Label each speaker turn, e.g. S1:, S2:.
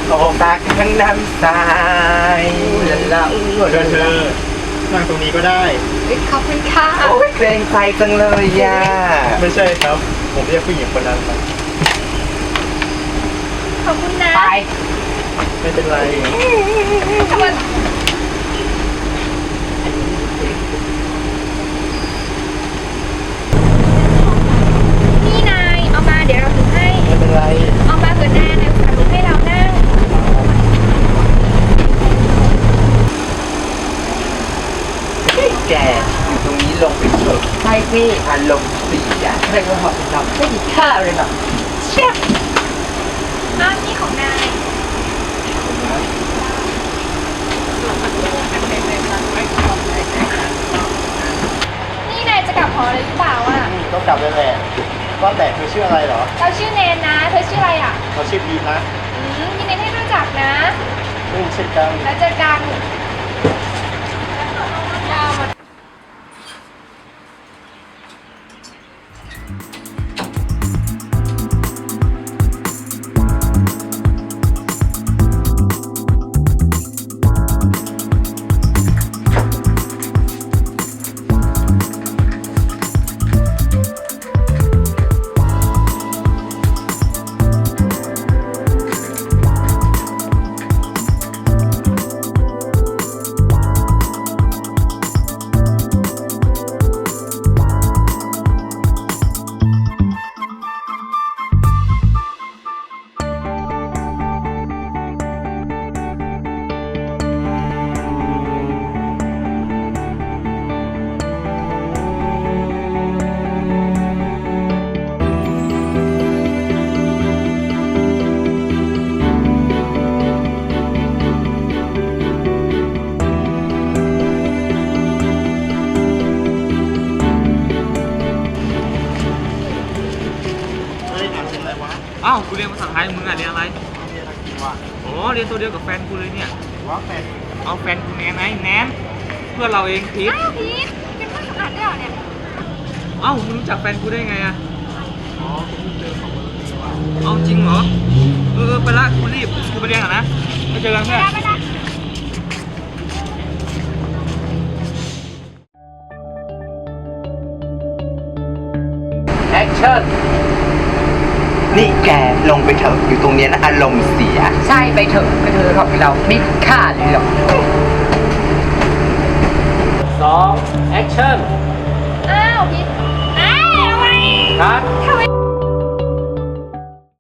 S1: ออกตาทั้งน้ำตายแล้ว
S2: เธอนั่งตรงนี้ก็ได้
S3: ขอบคุณค่ะ
S1: โอ้ยเกรงใจจังเลยย่า
S2: ไม่ใช่ครับ ผมเรียกผู้หญิงคนนั้นครับ
S3: ขอบคุณนะ
S1: ไป
S2: ไม่เป็นไร
S3: ทำไมนี่นายเอามาเดี๋ยวเราถือให้
S2: ไม่เป็นไร
S3: เอามาเกิดหน้านายฝากลูกให้เรานั่ง
S1: แกอยู่ตรงนี้ลงไปเถอะใช่สิอารมณ์เสียใครก็หอบเราไม่มีค่าเลยหรอกเชี่ย
S3: อ้าวนี่ของนาย นี่นายจะกลับหอเลยหรือเปล่าอ่ะ
S2: ต้องกลับเลยแหละว่าแต่เธอชื่ออะไรเหรอ
S3: เราชื่อเนนนะ เธอชื่ออะไรอ่ะ
S2: เขาชื่อพีทนะ
S3: ยินดีที่รู้จักนะ
S2: เช่นกัน
S3: แล้วเจอกันยาวหมด
S2: เฮ้ยอ่านเป็นอะไรวะ
S4: อ้าวกูเรียนภาษาไทยมึงอ่ะเรียนอะไร
S2: เรียนอังกฤษวะ
S4: อ๋อเรียนตัวเดียวกับแฟนกูเลยเนี่ย
S2: ว่าแฟน
S4: เอาแฟนกูแนนไงแนนเพื่อนเราเองพีท
S3: อ้าวพีทเป็นเพื่อนสำคัญด้วยเหรอเนี่ย
S4: เอ้ามึงรู้จักแฟนกูได้ไงอ่ะ
S2: อ๋อผมเพิ่งเจอของวันนี้ว่ะ
S4: เอาจริงเหรอไปละกูรีบกูไปเรียนก่อนนะไปเจอกันเพื่อน
S3: ไม่ได้
S1: แอคชั่นนี่แกลงไปเถอะอยู่ตรงเนี้ยนะอารมณ์เสียใช่ไปเถอะไปเถอะหรอกเราไม่มีค่าเลยหรอก
S4: 2 แอคชั่น
S3: อ้าวพีทอ้าวทำไม
S4: ครับ
S3: ท